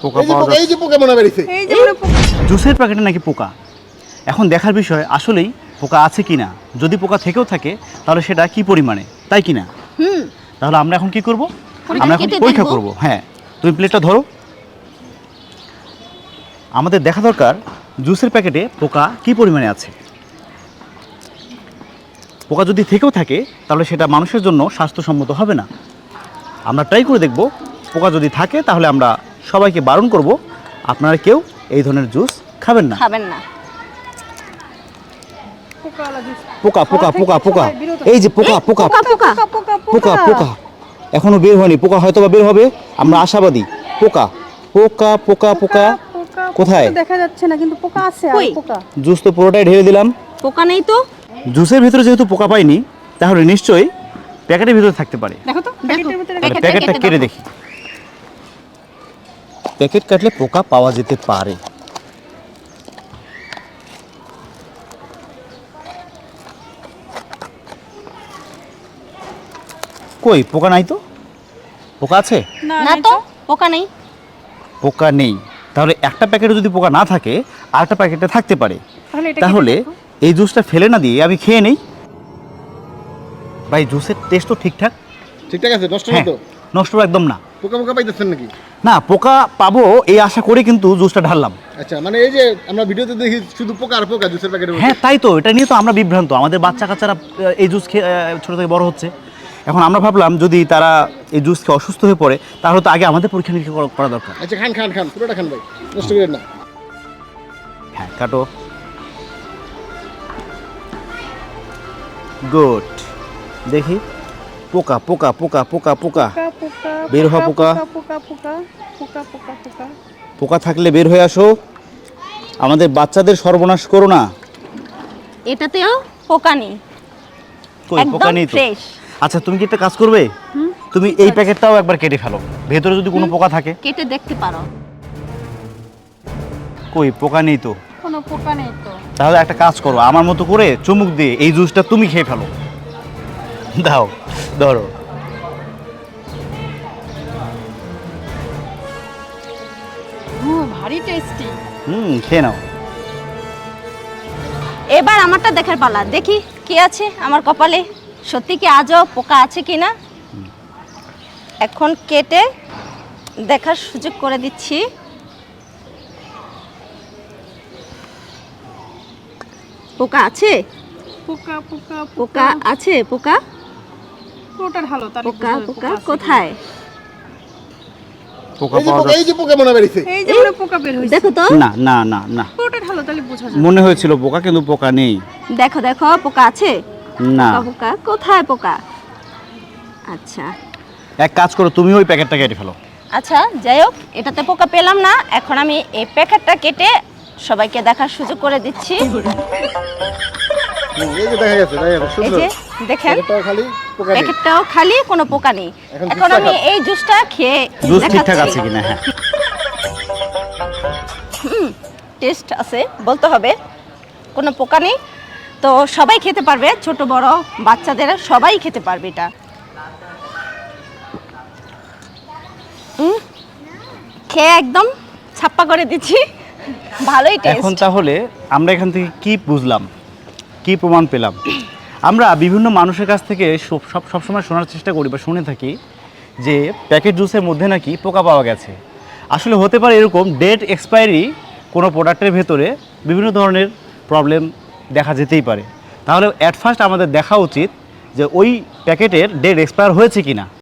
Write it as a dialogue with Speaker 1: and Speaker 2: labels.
Speaker 1: পোকা পাওয়া যায়,
Speaker 2: এই যে পোকা মনে বেরিয়েছে,
Speaker 3: এই যে মনে পোকা।
Speaker 1: জুসের প্যাকেটে নাকি পোকা। এখন দেখার বিষয় আসলেই পোকা আছে কিনা। যদি পোকা থেকেও থাকে তাহলে সেটা কি পরিমাণে, তাই কিনা? তাহলে আমরা এখন কি করব? আমরা এখন পরীক্ষা করব। হ্যাঁ, তুমি প্লেটটা ধরো। আমাদের দেখা দরকার জুসের প্যাকেটে পোকা কি পরিমাণে আছে। পোকা যদি থেকেও থাকে তাহলে সেটা মানুষের জন্য স্বাস্থ্যসম্মত হবে না। আমরা ট্রাই করে দেখব। পোকা যদি থাকে তাহলে আমরা সবাইকে বারণ করব আপনারা কেউ এই ধরনের জুস খাবেন না।
Speaker 3: পোকাওয়ালা জুস।
Speaker 1: পোকা পোকা পোকা পোকা, এই যে পোকা পোকা
Speaker 3: পোকা
Speaker 1: পোকা পোকা এখনো বের হয়নি। পোকা হয়তো বা বের হবে, আমরা আশাবাদী। পোকা পোকা পোকা পোকা কোথায়?
Speaker 3: দেখা যাচ্ছে না কিন্তু পোকা আছে। আর পোকা
Speaker 1: জুস তো পুরোটাই ঢেলে দিলাম,
Speaker 3: পোকা নেই তো।
Speaker 1: জুসের ভিতরে যেহেতু পোকা পাইনি তাহলে নিশ্চয়ই প্যাকেটের ভিতরে থাকতে পারে।
Speaker 3: দেখো তো প্যাকেটের ভিতরে।
Speaker 1: প্যাকেটটা কেটে দেখি। প্যাকেট কাটলে পোকা পাওয়া যেতে পারে। কই পোকা নাই তো? পোকা আছে?
Speaker 3: না তো পোকা নেই।
Speaker 1: পোকা নেই, তাহলে একটা প্যাকেটে যদি পোকা না থাকে আরেকটা প্যাকেটে থাকতে পারে। তাহলে এই জুসটা ফেলে না দিয়ে আমি খেয়ে নেই। ভাই জুসের টেস্ট তো ঠিকঠাক।
Speaker 2: ঠিকঠাক আছে, নষ্ট
Speaker 1: হ্যাঁ,
Speaker 2: হতো?
Speaker 1: নষ্ট একদম না।
Speaker 2: পোকা মোকা পাইতেছেন নাকি?
Speaker 1: না, পোকা পাবো এই আশা করে কিন্তু জুসটা ঢাললাম।
Speaker 2: আচ্ছা, মানে এই যে আমরা ভিডিওতে দেখি শুধু পোকা আর পোকা জুসের প্যাকেটে।
Speaker 1: হ্যাঁ তাই তো, এটা নিয়ে তো আমরা বিভ্রান্ত। আমাদের বাচ্চা কাচ্চারা এই জুস খেয়ে ছোটো থেকে বড় হচ্ছে। এখন আমরা ভাবলাম যদি তারা এই জুস খেয়ে অসুস্থ হয়ে পড়ে তাহলে তো আগে আমাদের পরীক্ষা নিরীক্ষা করা দরকার।
Speaker 2: আচ্ছা, খান খান খান, পুরোটা খান ভাই, নষ্ট করেন না।
Speaker 1: হ্যাঁ কাটো। গুড। দেখি পোকা পোকা পোকা পোকা পোকা বের হ। পোকা
Speaker 3: পোকা পোকা পোকা পোকা পোকা
Speaker 1: পোকা থাকলে বের হয়ে আসো। আমাদের বাচ্চাদের সর্বনাশ করো না।
Speaker 4: এটাতেও পোকা নেই,
Speaker 1: কই পোকা
Speaker 4: একদম
Speaker 1: নেই তো?
Speaker 4: ফ্রেশ।
Speaker 1: আচ্ছা তুমি কি একটা কাজ করবে, তুমি এই প্যাকেটটাও একবার কেটে ফেলো, ভেতরে যদি কোনো পোকা থাকে।
Speaker 4: কেটে দেখতে পারো।
Speaker 1: কই পোকা নেই তো?
Speaker 3: কোনো পোকা নেই তো।
Speaker 1: তাহলে একটা কাজ করো, আমার মতো করে চুমুক দিয়ে এই জুসটা তুমি খেয়ে ফেলো। দাও, ধরো।
Speaker 3: ভারী টেস্টি।
Speaker 1: খেয়ে নাও।
Speaker 4: এবার আমারটা দেখার পালা। দেখি কি আছে আমার কপালে, সত্যি কি আজও পোকা আছে কিনা। এখন কেটে দেখার সুযোগ করে দিচ্ছি। পোকা আছে?
Speaker 3: পোকা পোকা
Speaker 4: পোকা আছে? পোকা
Speaker 3: পুরোটা ঢালো তাহলে
Speaker 4: পোকা পোকা কোথায়?
Speaker 1: পোকা
Speaker 2: এই যে
Speaker 1: পাওয়া
Speaker 2: পোকা,
Speaker 1: যায়?
Speaker 2: এই যে পোকা মনে বেরিয়েছে।
Speaker 3: এই যে মনে পোকা বের হইছে।
Speaker 4: দেখো তো,
Speaker 1: না না না না,
Speaker 3: পুরোটা ঢালো তাহলে বোঝা যাবে।
Speaker 1: মনে হয়েছিল পোকা কিন্তু পোকা নেই।
Speaker 4: দেখো দেখো পোকা আছে?
Speaker 1: না।
Speaker 4: পোকা পোকা কোথায়? পোকা আচ্ছা
Speaker 1: এক কাজ করো, তুমি ওই প্যাকেটটা কেটে ফেলো।
Speaker 4: আচ্ছা, যাই হোক, এটাতে পোকা পেলাম না। এখন আমি এই প্যাকেটটা কেটে সবাইকে দেখার সুযোগ করে দিচ্ছি।
Speaker 2: এই যে দেখা গেছে, দেখা গেছে,
Speaker 4: এই
Speaker 2: সুন্দর।
Speaker 4: যে দেখেন,
Speaker 2: প্যাকেটটাও খালি, পোকা নেই।
Speaker 4: প্যাকেটটাও খালি, কোনো পোকা নেই।
Speaker 2: এখন
Speaker 4: এখন
Speaker 2: জুসটা
Speaker 4: আমি
Speaker 2: খাবো।
Speaker 4: এই জুসটা খেয়ে
Speaker 1: জুস ঠিকঠাক
Speaker 4: দেখাচ্ছি।
Speaker 1: আছে কিনা। হ্যাঁ
Speaker 4: টেস্ট আছে বলতে হবে, কোনো পোকা নেই। তো সবাই খেতে পারবে, ছোট বড় বাচ্চাদের সবাই খেতে পারবে এটা। খেয়ে একদম ছাপ্পা করে দিচ্ছি, ভালোই
Speaker 1: এখন
Speaker 4: টেস্ট।
Speaker 1: তাহলে আমরা এখান থেকে কি বুঝলাম, কি প্রমাণ পেলাম? আমরা বিভিন্ন মানুষের কাছ থেকে সবসময় শোনার চেষ্টা করি বা শুনে থাকি যে প্যাকেট জুসের মধ্যে নাকি পোকা পাওয়া গেছে। আসলে হতে পারে এরকম ডেট এক্সপায়ারি কোনো প্রোডাক্টের ভেতরে বিভিন্ন ধরনের প্রবলেম দেখা যেতেই পারে। তাহলে অ্যাট ফার্স্ট আমাদের দেখা উচিত যে ওই প্যাকেটের ডেট এক্সপায়ার হয়েছে কিনা।